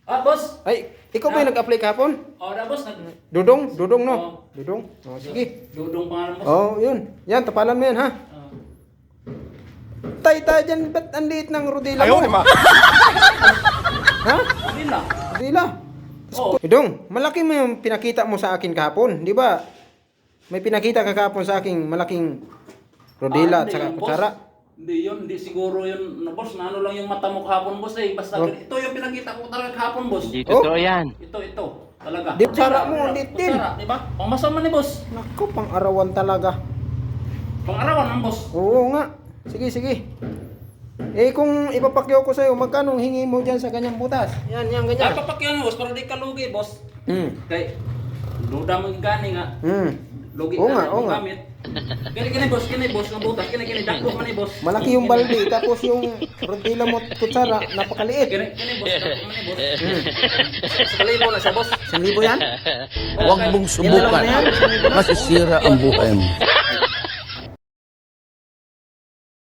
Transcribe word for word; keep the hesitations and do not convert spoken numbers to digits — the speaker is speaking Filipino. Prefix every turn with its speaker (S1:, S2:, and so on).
S1: Ah, boss.
S2: Ay, ikaw ba yung nag-apply kahapon?
S1: Oh, na boss. Nag
S2: Dudong? Dudong, no?
S1: Oo.
S2: Dudong? Oh, sige.
S1: Dudong pangalan boss.
S2: Oh, yun. Yan, tapalan mo yan, ha?
S1: Ah.
S2: Tay, tay, dyan, ba't ang liit ng rodila mo?
S3: Ayaw, ma.
S2: Ha?
S1: Hindi na.
S2: Rodila?
S1: Oh.
S2: Dudong, malaki mo yung pinakita mo sa akin kahapon, di ba? May pinakita ka kahapon sa akin, malaking rodila
S1: Ah,
S2: at
S1: hindi
S2: saka
S1: yun, boss.
S2: kutsara.
S1: Hindi yun, hindi siguro yun, na boss, na ano lang yung mata mo kahapon, boss eh. Basta
S2: Oh.
S1: ito yung pinakita ko talaga kahapon, boss.
S4: Hindi
S2: Oh.
S4: totoo yan.
S1: Ito, ito, talaga.
S2: Di kutsara mo, di tin.
S1: Kutsara, di ba? Pangmasama ni boss.
S2: Naku, pang-arawan talaga.
S1: Pang-arawan ng boss.
S2: Oo nga. Sige, sige. Eh kung ipapakyaw ko sa'yo, magkano hingi mo dyan sa ganyang butas? Yan, yan,
S1: Ay,
S2: ganyan.
S1: papakyan boss, para di ka lugi, boss.
S2: Hmm.
S1: Kay, duda mo yung gani nga.
S2: Hmm.
S1: Lugi
S2: Oo
S1: ka
S2: nga,
S1: na
S2: oo
S1: yung
S2: nga.
S1: gamit. Kini, kini, boss, kini, boss, ng butas. Kini, kini, dakpo man ni boss.
S2: Malaki yung balde, tapos yung rodila mo at kutsara, napakaliit.
S1: Kini, kini, boss, dakpo man ni boss. Sa kalibo na siya, boss.
S2: Isang libo yan?
S3: Huwag mong
S2: Yan na lang
S3: subukan.
S2: na yan, isang libo na.
S3: Masisira ang buhay mo.